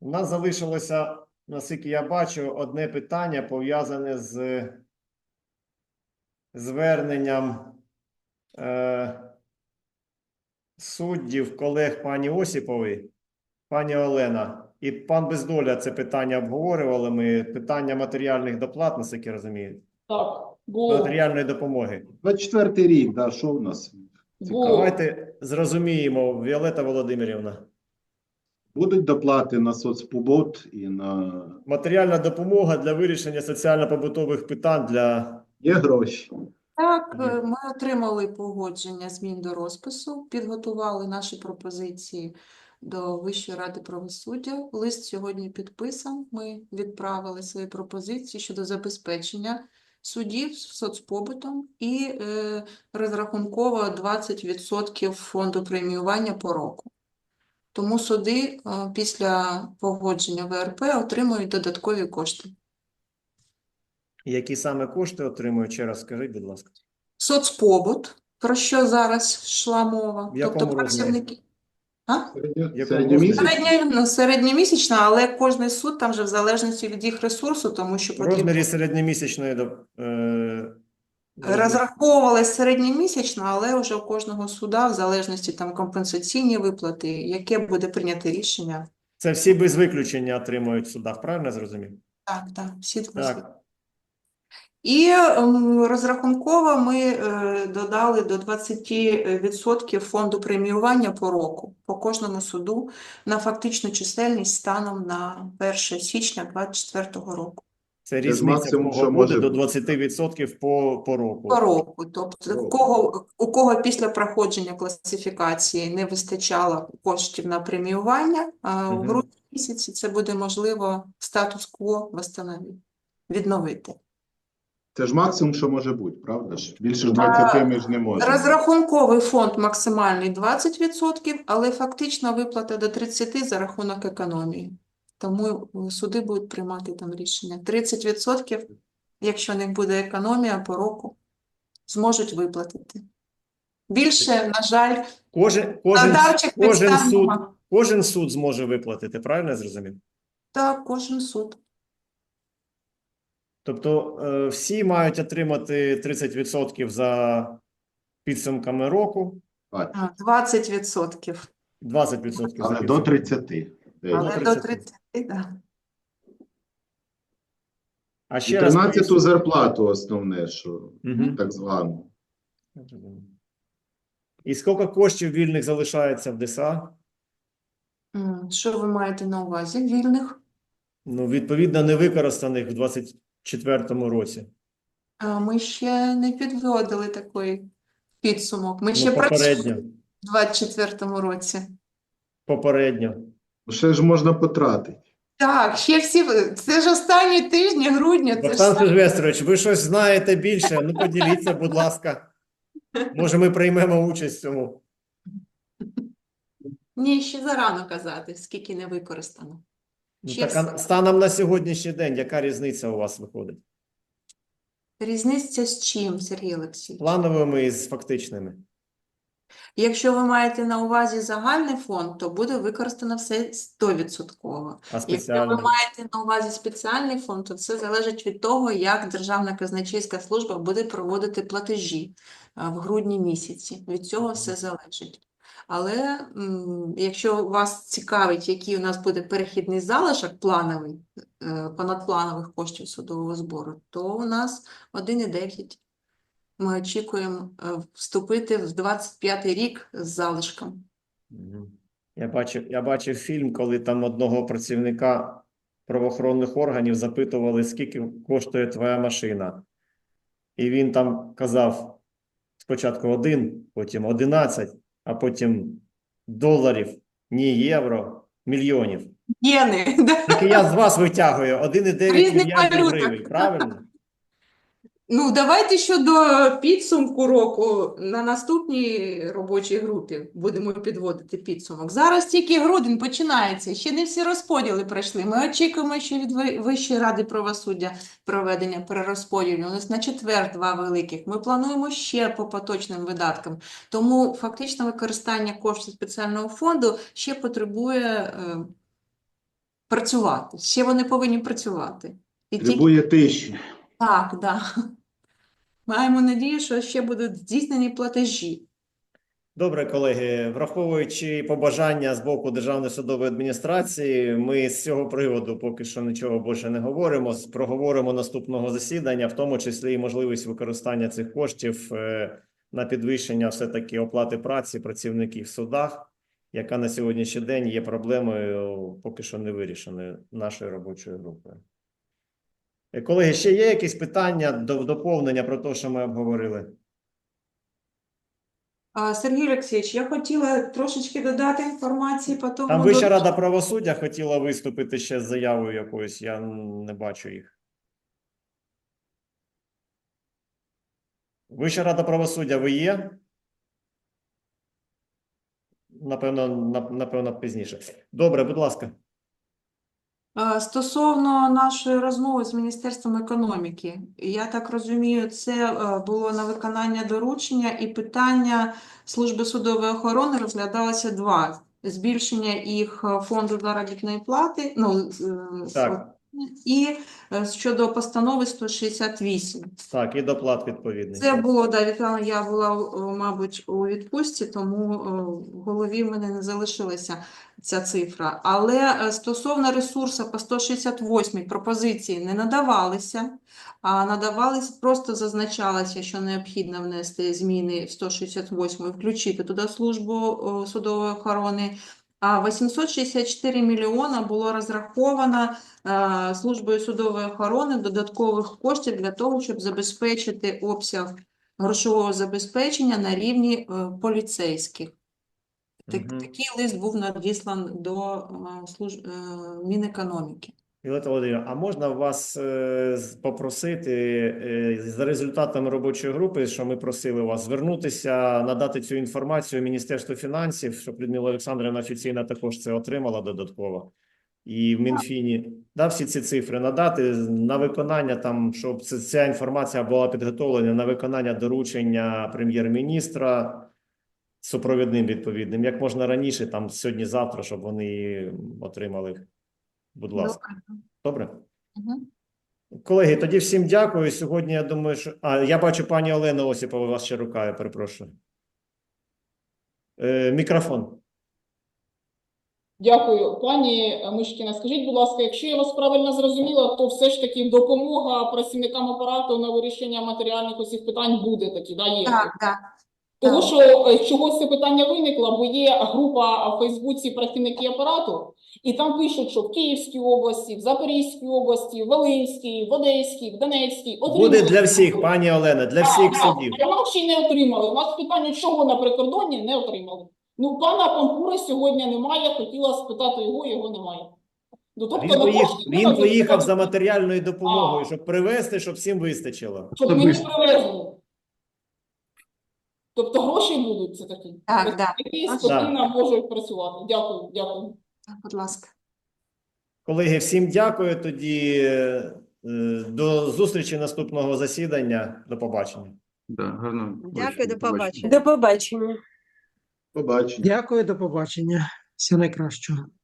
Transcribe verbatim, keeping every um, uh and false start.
У нас залишилося, наскільки я бачу, одне питання пов'язане з зверненням е, суддів, колег пані Осіпової, пані Олена. І пан Бездоля це питання обговорювали ми. Питання матеріальних доплат, наскільки я розумію, Так, було. матеріальної допомоги. двадцять четвертий рік, да, що в нас? Було. Давайте зрозуміємо, Віолетта Володимирівна. Будуть доплати на соцпобут і на... Матеріальна допомога для вирішення соціально-побутових питань для... Є гроші. Так, Є. е, ми отримали погодження змін до розпису, підготували наші пропозиції до Вищої ради правосуддя. Лист сьогодні підписан. Ми відправили свої пропозиції щодо забезпечення суддів соцпобутом і е, розрахунково двадцять відсотків фонду преміювання по року. Тому суди е, після погодження В Р П отримують додаткові кошти. Які саме кошти отримують? Ще раз скажіть, будь ласка. Соцпобут, про що зараз йшла мова. В якому Тобто розмірі? працівники. А? Якому Середньомісячно? Середня, ну, середньомісячна, але кожний суд там вже в залежності від їх ресурсу, тому що В потрібно розмірі середньомісячної доп- е, розраховували середньомісячно, але вже у кожного суда в залежності там компенсаційні виплати, яке буде прийнято рішення. Це всі без виключення отримують в судах, правильно я зрозумів? Так, так, всі Так. І ем, розрахунково ми е, додали до двадцять відсотків фонду преміювання по року, по кожному суду на фактичну чисельність станом на перше січня двадцять четвертого року. Це ж різниця, в максимум, кого що буде може до бути. двадцяти відсотків по, по року. По року. Тобто, По у року. кого, у кого після проходження класифікації не вистачало коштів на преміювання, а у Мгм. грудні місяці це буде можливо статус-кво восстановити, відновити. Це ж максимум, що може бути, правда ж? Більше ж двадцяти ми ж не можемо. Розрахунковий фонд максимальний двадцять відсотків, але фактична виплата до тридцяти відсотків за рахунок економії. Тому е, суди будуть приймати там рішення. тридцять відсотків, якщо не буде економія по року, зможуть виплатити. Більше, на жаль, Кожен, кожен, Надарчих кожен, підстав суд, нема. кожен суд зможе виплатити, правильно я зрозумів? так, кожен суд. Тобто е, всі мають отримати тридцять відсотків за підсумками року, Бать. А, двадцять відсотків. двадцять відсотків за Але до підсумками. тридцяти. Десь. Але до тридцяти. тридцяти, так. А І ще раз тринадцяту поясню. зарплату основне, що Мгм. так звану. І скільки коштів вільних залишається в Д С А? М, Що ви маєте на увазі? Вільних? Ну, відповідно, невикористаних в двадцять четвертому році. А, Ми ще не підводили такий підсумок. Ми Ну, ще працюємо попередньо. в двадцять четвертому році. Попередньо. Ще ж можна потратити. Так, ще всі, це ж останні тижні грудня, це ж Богдан сам- Сильвестрович, ви щось знаєте більше? Ну, поділіться, будь ласка. Може, ми приймемо участь в цьому. Ні, ще зарано казати, скільки не використано. Ну, Ще так, а станом на сьогоднішній день, яка різниця у вас виходить? Різниця з чим, Сергій Олексійович? Плановими і з фактичними. Якщо ви маєте на увазі загальний фонд, то буде використано все сто відсотків. А Якщо ви спеціальні? маєте на увазі спеціальний фонд, то це залежить від того, як Державна казначейська служба буде проводити платежі а, в грудні місяці. Від цього все залежить. Але м, якщо вас цікавить, який у нас буде перехідний залишок плановий, е, понадпланових коштів судового збору, то у нас один і дев'ять. Ми очікуємо е, вступити в двадцять п'ятий рік з залишком. Мгм. Я бачив, я бачив фільм, коли там одного працівника правоохоронних органів запитували, скільки коштує твоя машина. І він там казав спочатку один, потім одинадцять, а потім доларів, ні євро, мільйонів. Єни, да? Так і я з вас витягую один і дев'ять Різних мільярдів валютах. гривень, правильно? Ну, давайте щодо підсумку року на наступній робочій групі будемо підводити підсумок. Зараз тільки грудень починається, ще не всі розподіли пройшли. Ми очікуємо ще від Ви- Вищої ради правосуддя проведення перерозподілу. У нас на четвер два великих. Ми плануємо ще по поточним видаткам. Тому фактично використання коштів спеціального фонду ще потребує е, працювати. Ще вони повинні працювати. І тільки Требує тиші. так, да. Маємо надію, що ще будуть здійснені платежі. Добре, колеги, враховуючи побажання з боку Державної судової адміністрації, ми з цього приводу поки що нічого більше не говоримо. Проговоримо наступного засідання, в тому числі і можливість використання цих коштів е, на підвищення все-таки оплати праці працівників в судах, яка на сьогоднішній день є проблемою поки що не вирішеною нашою робочою групою. Е, Колеги, ще є якісь питання до доповнення про те, що ми обговорили? А, Сергій Олексійович, я хотіла трошечки додати інформації по тому. Там Вища до- рада правосуддя хотіла виступити ще з заявою якоюсь, я не бачу їх. Вища рада правосуддя, ви є? Напевно, нап- напевно, пізніше. Добре, будь ласка. А, Стосовно нашої розмови з Міністерством економіки, я так розумію, це е, було на виконання доручення і питання служби судової охорони розглядалося два. Збільшення їх е, фонду заробітної плати, ну, е, Так, і е, щодо постанови сто шістдесят вісім. так, і доплат відповідний. Це було, да, Віталіна, я була, о, мабуть, у відпустці, тому о, в голові в мене не залишилася ця цифра. Але е, стосовно ресурсу по сто шістдесят восьмій пропозиції не надавалися, а надавались, просто зазначалося, що необхідно внести зміни в сто шістдесят восьму і включити туди службу о, судової охорони. А вісімсот шістдесят чотири мільйона було розраховано е, службою судової охорони додаткових коштів для того, щоб забезпечити обсяг грошового забезпечення на рівні е, поліцейських. Так, Мгм. Такий лист був надіслан до е, служ... е, Мінекономіки. Віолетта Володимирівна, а можна вас е, з- попросити е, за результатами робочої групи, що ми просили вас, звернутися, надати цю інформацію Міністерству фінансів, щоб Людмила Олександрівна офіційно також це отримала додатково. І в Мінфіні, да, всі ці цифри надати на виконання, там, щоб це- ця інформація була підготовлена на виконання доручення прем'єр-міністра супровідним відповідним, як можна раніше, там сьогодні-завтра, щоб вони отримали їх. Будь ласка. Добре? Мгм. Колеги, тоді всім дякую. Сьогодні, я думаю, що... А, я бачу, пані Олена Осіпова, у вас ще рука, я перепрошую. Е, мікрофон. Дякую. Пані Мишкіна, скажіть, будь ласка, якщо я вас правильно зрозуміла, то все ж таки допомога працівникам апарату на вирішення матеріальних усіх питань буде такі, да, є? Так, так. Того, так. що е, чого це питання виникло, бо є група в Фейсбуці працівники апарату, і там пишуть, що в Київській області, в Запорізькій області, в Волинській, в Одеській, в Донецькій Буде отримали. для всіх, пані Олена, для всіх Так, судів. а нам ще й не отримали. У нас питання, чого на прикордонні не отримали. Ну, пана Пампури сьогодні немає, хотіла спитати його, його немає. Ну, тобто, Він, на поїхав, кошти він треба поїхав за запитати, матеріальною допомогою, А. щоб привезти, щоб всім вистачило. щоб мені привезли. Тобто гроші будуть це такі. Так, так. Які Так. спокійно можуть працювати. Дякую, дякую. Будь ласка. Колеги, всім дякую. Тоді е, до зустрічі наступного засідання. До побачення. Да, гарно. Дякую, до побачення. До побачення. Побачення. Дякую, до побачення. Всього найкращого.